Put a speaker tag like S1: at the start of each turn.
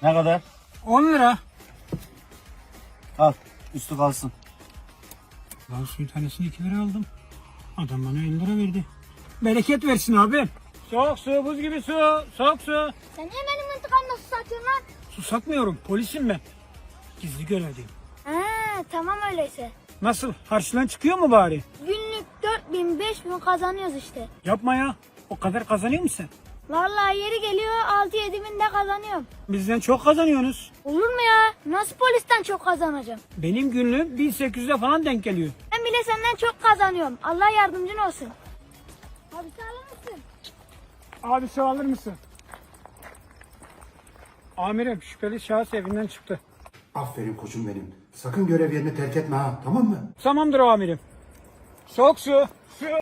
S1: Ne kadar?
S2: 10 lira.
S1: Al. Üstü kalsın.
S2: Ben suyun tanesini 2 lira aldım. Adam bana 50 lira verdi. Bereket versin abi. Soğuk su, buz gibi su. Soğuk su.
S3: Sen niye benim intikamda su satıyorsun lan?
S2: Su satmıyorum. Polisim ben. Gizli görevliyim.
S3: Tamam öyleyse.
S2: Nasıl? Harçlan çıkıyor mu bari?
S3: Günlük 4000 5000 kazanıyoruz işte.
S2: Yapma ya. O kadar kazanıyor musun sen?
S3: Vallahi yeri geliyor 6-7 bin de kazanıyorum.
S2: Bizden çok kazanıyorsunuz.
S3: Olur mu ya? Nasıl polisten çok kazanacağım?
S2: Benim günlüğüm 1800'e falan denk geliyor.
S3: Ben bile senden çok kazanıyorum. Allah yardımcın olsun. Abi sağlar mısın?
S2: Abi su alır mısın? Amirim şüpheli şahıs evinden çıktı.
S4: Aferin koçum benim. Sakın görev yerini terk etme ha, tamam mı?
S2: Tamamdır amirim. Soğuk su. Su.